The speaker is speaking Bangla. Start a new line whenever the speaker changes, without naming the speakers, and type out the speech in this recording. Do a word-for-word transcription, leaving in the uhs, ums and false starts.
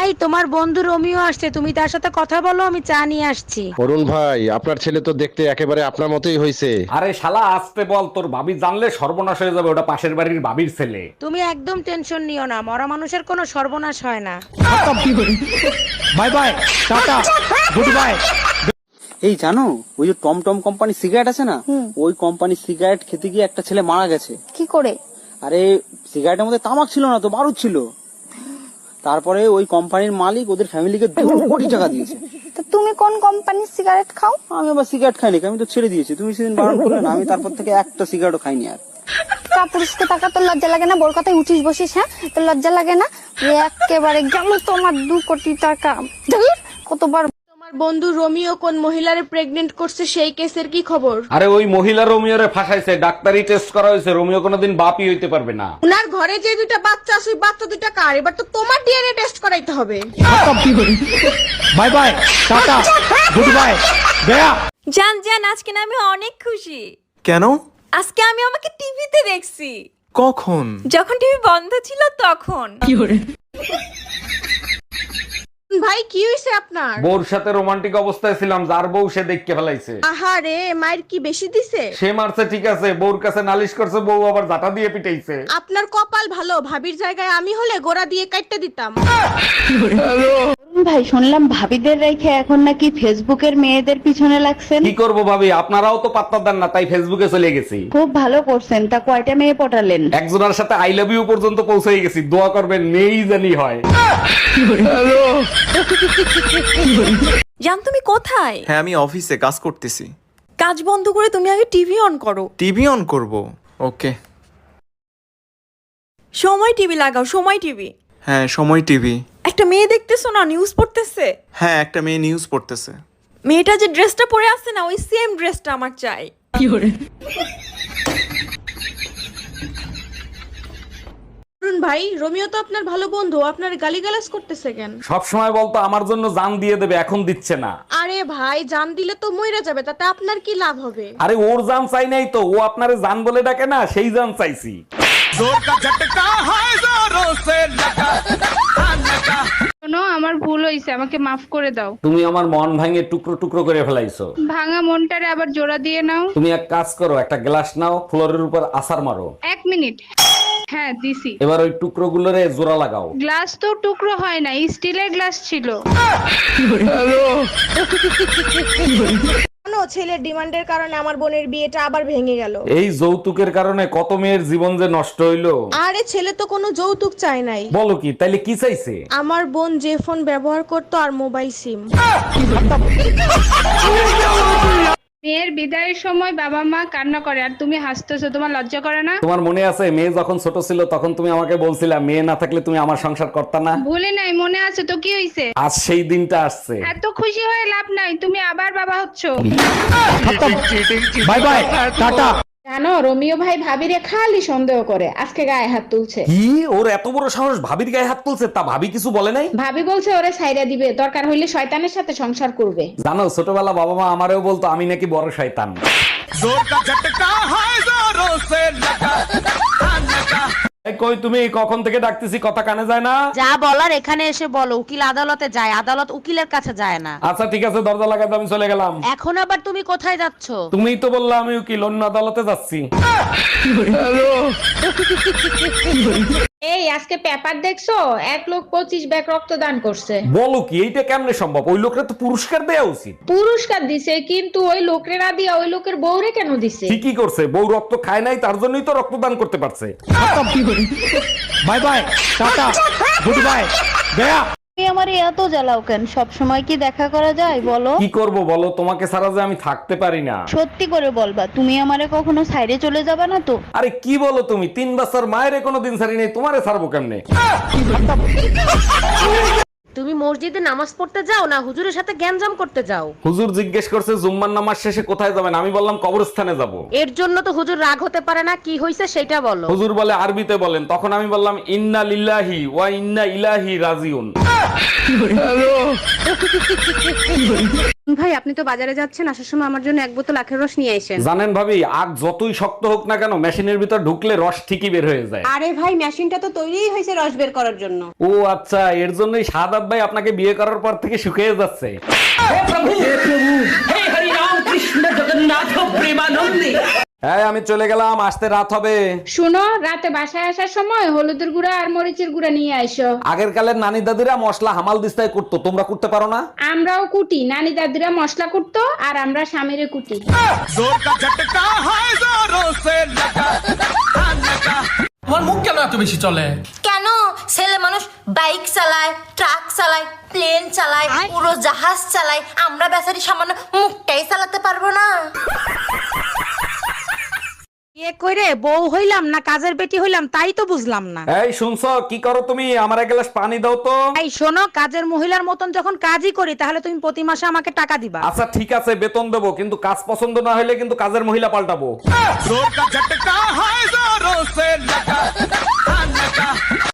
এই তোমার বন্ধু রোমিও আসছে, তুমি তার সাথে কথা বলো, আমি চা নিয়ে আসছি।
অরুণ ভাই, আপনার ছেলে তো দেখতে একেবারে আপনার মতোই হয়েছে।
আরে শালা আসতে বল, তোর ভাবি জানলে সর্বনাশ হয়ে যাবে, ওটা পাশের বাড়ির ভাবির ছেলে।
তুমি একদম টেনশন নিও না, মরা মানুষের কোনো সর্বনাশ হয় না।
Bye bye, tata, good bye.
এই জানো, ওই যে টম টম কোম্পানির সিগারেট আছে না, ওই কোম্পানির সিগারেট খেতে গিয়ে একটা ছেলে মারা গেছে।
কি করে?
আরে সিগারেটের মধ্যে তামাক ছিল না তো, বারুদ ছিল। তারপরে ওই কোম্পানির মালিক ওদের ফ্যামিলিকে দু কোটি টাকা দিয়েছে।
তো তুমি কোন কোম্পানির সিগারেট খাও?
আমি আবার সিগারেট খাইনি, আমি তো ছেড়ে দিয়েছি। তুমি সেদিন বারণ করলে না, আমি তারপর থেকে একটা সিগারেটও খাইনি আর।
কাপুরুষকে টাকা তোর লজ্জা লাগে না? বোর কথায় উঠিস বসিস, হ্যাঁ? তোর লজ্জা লাগে না? একেবারে গেল তোমার দু কোটি টাকা। ধুর, কতবার।
তোমার বন্ধু রোমিও কোন মহিলারে প্রেগনেন্ট করছে, সেই কেসের কি খবর?
আরে ওই মহিলা রোমিওরে ফাঁসাইছে, ডাক্তারি টেস্ট করা হয়েছে, রোমিও কোনোদিন বাপই হইতে পারবে না।
উনার ঘরে যে দুইটা বাচ্চা আছে, ওই বাচ্চা দুইটা কার? এবার তো তোমার ডিএনএ টেস্ট করাইতে হবে।
Bye bye, tata, good bye, গয়া।
জান জান, আজকে না আমি অনেক খুশি।
কেন?
আজকে আমি আমাকে টিভিতে দেখছি।
কখন?
যখন টিভি বন্ধ ছিল তখন।
ভাই কি হইছে আপনার?
বউর সাথে রোমান্টিক অবস্থায় ছিলাম, যার বউ সে দেখকে ফেলাইছে।
আহারে, মায়ের কি বেশি দিছে?
সে মারছে ঠিক আছে, বউর কাছে নালিশ করছে, বউ আবার জাটা দিয়ে পিটাইছে।
আপনার কপাল ভালো, ভাবির জায়গায় আমি হলে গোড়া দিয়ে কাটতে দিতাম।
ভাই, শুনলাম ভাবিদের রেখে এখন নাকি ফেসবুকের মেয়েদের পিছনে লাগছেন।
কি করব ভাবি, আপনারাও তো পাত্তা দেন না, তাই ফেসবুকে চলে গেছি।
খুব ভালো করছেন। তা কয়টা মেয়ে পটালেন?
একজনের সাথে আই লাভ ইউ পর্যন্ত পৌঁছে গেছি, দোয়া করবেন মেয়েই জানি হয়।
জান তুমি কোথায়?
হ্যাঁ, আমি অফিসে কাজ করতেছি।
কাজ বন্ধ করে তুমি আগে টিভি অন করো।
টিভি অন করব? ওকে।
সময় টিভি লাগাও, সময় টিভি।
হ্যাঁ, সময় টিভি।
একটা মেয়ে দেখতেছো না, নিউজ পড়তেছে।
হ্যাঁ, একটা মেয়ে নিউজ পড়তেছে।
মেয়েটা যে ড্রেসটা পরে আছে না, ওই সেম ড্রেসটা আমার চাই।
অরুণ ভাই, রোমিও তো আপনার ভালো বন্ধু, আপনার গালিগালাজ করতেছে কেন?
সব সময় বলতো আমার জন্য জান দিয়ে দেবে, এখন দিচ্ছে না।
আরে ভাই, জান দিলে তো মইরা যাবে, তাতে আপনার কি লাভ হবে?
আরে ওর জান চাই নাই তো, ও আপনারে জান বলে ডাকে না, সেই জান চাইছি।
শোনো, আমার ভুল হয়েছে, আমাকে মাফ করে দাও।
তুমি আমার মন ভাঙে টুকরো টুকরো করে ফেলাইছো।
ভাঙা মনটারে আবার জোড়া দিয়ে নাও।
তুমি এক কাজ করো, একটা গ্লাস নাও, ফ্লোরের উপর আছাড় মারো।
এক মিনিট। হ্যাঁ, দিছি।
এবার ওই টুকরো গুলোরে জোড়া লাগাও।
গ্লাস তো টুকরো হয় না, স্টিলের গ্লাস ছিল।
কেন ছেলের ডিমান্ডের কারণে আমার বোনের বিয়েটা আবার ভেঙে গেল?
এই যৌতুকের কারণে কত মেয়ের জীবন যে নষ্ট হইলো।
আরে ছেলে তো কোনো যৌতুক চায় নাই।
বলো কি, তাইলে কি চাইছে?
আমার বোন যে ফোন ব্যবহার করতো আর মোবাইল সিম।
মেয়ের বিদায়ের সময় বাবা মা কান্না করে আর তুমি হাসতেছো, তোমার লজ্জা করে না?
তোমার মনে আছে মেয়ে যখন ছোট ছিল তখন তুমি আমাকে বলছিলা মেয়ে না থাকলে তুমি আমার সংসার করতা না?
ভুলে নাই, মনে আছে তো। কি হইছে?
আজ সেই দিনটা আসছে।
এত খুশি হয়ে লাভ নাই, তুমি আবার বাবা হচ্ছো।
Bye bye, tata.
জানো, রোমিও ভাই ভাবিরে খালি সন্দেহ করে, আজকে গায়ে হাত তুলছে।
কি, ওর এত বড় সাহস ভাবির গায়ে হাত তুলছে? তা ভাবি কিছু বলে নাই?
ভাবি বলছে ওরে ছাইরা দিবে, দরকার হইলে শয়তানের সাথে সংসার করবে।
জানো, ছোটবেলা বাবা মা আমারেও বলতো আমি নাকি বড় শয়তান। এই কই তুমি, কখন থেকে ডাকতেছি, কথা কানে যায় না?
যা বলার এখানে এসে বলো। উকিল আদালতে যায়, আদালত উকিলের কাছে যায় না।
আচ্ছা ঠিক আছে, দরজা লাগাতে আমি চলে গেলাম।
এখন আবার তুমি কোথায় যাচ্ছ?
তুমিই তো বললা আমি উকিল, অন্য আদালতে যাচ্ছি।
এই আজকে পেপার দেখছো? এক লোক পঁচিশ ব্যাগ রক্তদান করছে।
বলো কি, এইটা কেমনে সম্ভব? ওই লোকরা তো পুরস্কার দেওয়া উচিত।
পুরস্কার দিছে, কিন্তু ওই লোকের না দিয়া ওই লোকের বউরে কেন দিছে?
ঠিকই করছে, বউ রক্ত খায় নাই, তার জন্যই তো রক্তদান করতে পারছে।
Bye bye, tata, good bye, গয়া।
তুমি আমার এত জ্বালাও কেন? সব সময় কি দেখা করা যায় বলো?
কি করব বলো, তোমাকে ছাড়া যে আমি থাকতে পারি না।
সত্যি করে বলবা, তুমি আমারে কখনো সাইডে চলে যাবা না তো?
আরে কি বলো তুমি, তিন বছর মায়ের কোনো দিন ছাড়ি নেই, তোমারে ছাড়বো কেমনে?
তুমি মসজিদে নামাজ পড়তে যাও না হুজুরের সাথে গ্যাঞ্জাম করতে যাও?
হুজুর জিজ্ঞেস করছে জুম্মার নামাজ শেষে কোথায় যাবেন, আমি বললাম কবরস্থানে যাব।
এর জন্য তো হুজুর রাগ হতে পারে না, কি হইছে সেটা বলো।
হুজুর বলে আরবিতে বলেন, তখন আমি বললাম ইন্না লিল্লাহি ওয়া ইন্না ইলাইহি রাজিউন।
ভাই আপনি তো বাজারে যাচ্ছেন, আসার সময় আমার জন্য এক বোতল আখের রস নিয়ে আসেন।
জানেন ভাবি, আগ যতই শক্ত হোক না কেন মেশিনের ভিতর ঢুকলে রস ঠিকই বের হয়ে যায়।
আরে ভাই মেশিনটা তো তৈরিই হয়েছে রস বের করার জন্য।
ও আচ্ছা, এর জন্যই সাদাব ভাই আপনাকে বিয়ে করার পর থেকে শুকিয়ে যাচ্ছে। হ্যাঁ আমি চলে গেলাম, আসতে রাত হবে।
শুনো, রাতে বাসায় আসার সময় হলুদের গুঁড়া আর মরিচের গুঁড়া নিয়ে আইসো।
আগের কালের নানি দাদিরা মশলা হামাল দিস্তায় করতো, তোমরা করতে পারো না?
আমরাও কুটি, নানি দাদিরা মশলা কুটতো আর আমরা স্বামীরে কুটি।
তোমার মুখ কেন এত বেশি চলে?
কেন? ছেলে মানুষ বাইক চালায়, ট্রাক চালায়, প্লেন চালায়, পুরো জাহাজ চালায়, আমরা বেচারি সামান্য মুখটাই চালাতে পারবো না?
বিয়ে করে বউ হইলাম না কাজের বেটি হইলাম তাই তো বুঝলাম না।
এই শুনছো, কি করো তুমি? আমার এক গ্লাস পানি দাও তো।
এই শোনো, কাজের মহিলার মতন যখন কাজই করি তাহলে তুমি প্রতি মাসে আমাকে টাকা দিবা।
আচ্ছা ঠিক আছে, বেতন দেবো, কিন্তু কাজ পছন্দ না হলে কিন্তু কাজের মহিলা পাল্টাবো।